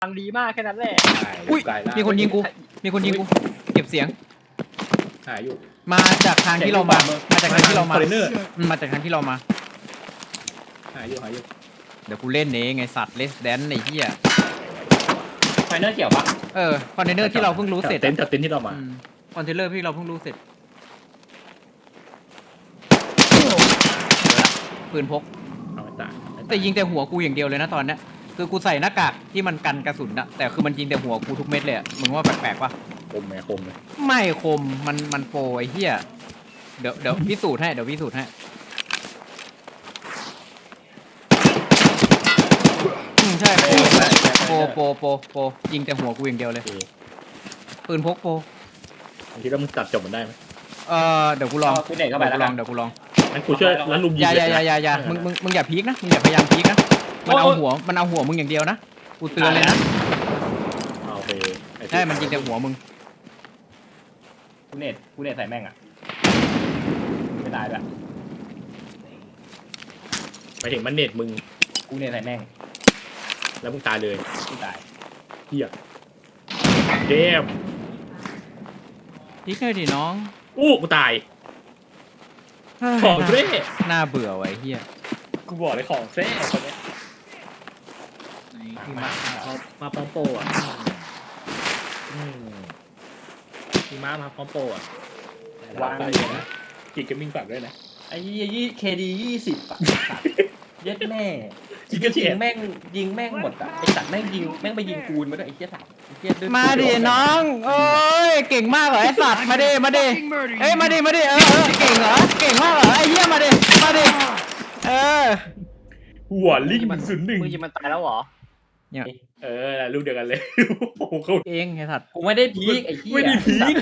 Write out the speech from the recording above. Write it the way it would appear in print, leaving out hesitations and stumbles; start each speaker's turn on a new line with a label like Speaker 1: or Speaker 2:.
Speaker 1: ฟังดีมากแค่นั้นแหละ
Speaker 2: อุ้ย
Speaker 3: ตายละ
Speaker 2: มีคนยิงกูเก็บเสียง
Speaker 3: หายอยู่
Speaker 2: มาจากทางที่เรามาจากทางที่เรามา
Speaker 3: คอนเทนเนอร์
Speaker 2: มาจากทางที่เรามา
Speaker 3: หายอยู่
Speaker 2: เดี๋ยวกูเล่นเองไงสัตว์เลสแดนไอ้เหี้ย
Speaker 1: ไฟเนอร์เกี่ยวปะ
Speaker 2: คอนเทนเนอร์ที่เราเพิ่งรู้เสร็จ
Speaker 3: เต็นท์ที่เรามา
Speaker 2: คอนเทนเนอร์ที่เราเพิ่งรู้เสร็จปืนพก
Speaker 3: เอาไม่ตาย
Speaker 2: แต่ยิงแต่หัวกูอย่างเดียวเลยนะตอนเนี้ยคือกูใส่หน้ากากที่มันกันกระสุนอะแต่คือมันยิงแต่หัวกูทุกเม็ดเลยอะมึงว่าแปลกๆปะ
Speaker 3: คมไหมคมเลย
Speaker 2: ไม่คมมันโปรไอ้เหี้ยเดี๋ยวพิสูจน์ให้ใช่โปรยิงแต่หัวกูอย่างเดียวเลยปืนพกโปร
Speaker 3: ผมคิดว่ามึงตัดจบมันได้ไหม
Speaker 2: เดี๋ยวกูลอง
Speaker 1: กูเด็กเข้าไปแล้ว
Speaker 2: เดี๋ยวกูลอง
Speaker 3: งั้นกูช่วยแล้วลุมยิง
Speaker 2: อย่ามึงอย่าพีกนะมึงอย่าพยายามพีกนะมันเอาหัวมึงอย่างเดียวนะกูเตือนเลยนะ
Speaker 3: โอเค
Speaker 2: ใช่มันยิงแต่หัวมึง
Speaker 1: กูเน็ตใส่แม่งอ่ะไม่ตายด้วย
Speaker 3: ไปถึงมันเน็ตมึง
Speaker 1: กูเน็ตใส่แม่ง
Speaker 3: แล้วมึงตายเลย
Speaker 1: กูตาย
Speaker 3: เฮียเกม
Speaker 2: พีกเลยดิน้อง
Speaker 3: กูตายของเซ่
Speaker 2: น่าเบื่อไว้เฮีย
Speaker 3: กูบอกเลยของเซ่คนนี้มาพร้อมโปรอ่ะพี่มาพร้อมโปรอ่ะวางเลยนะกิจเกมมิ่งฝากด้วยนะ
Speaker 1: ไอ้ยี่เคดี20 อ่ะเย็ดแม่
Speaker 3: กิจก็เฉียด
Speaker 1: ยิงแม่งหมดอ่ะไอ้สัตว์แม่งไปยิงกูนมาด้วยไอ้เหี้ยสัตว์ไอ้เหี้ยด้วย
Speaker 2: มาดิน้องเอ้ยเก่งมากเหรอไอสัตว์มาดิเอ้ยมาดิเก่งเหรอเก่งมากเหรอไอ้เหี้ยมาดิ
Speaker 3: หัวลิง01
Speaker 1: มึงยิงมันตายแล้วเหรอ
Speaker 3: ลูกเดียวกันเลยโอ้โหเขา
Speaker 2: เองไอสัตว์
Speaker 1: กูไม่ได้พีกไอ้เหี้ย
Speaker 3: ไม่ได้พีค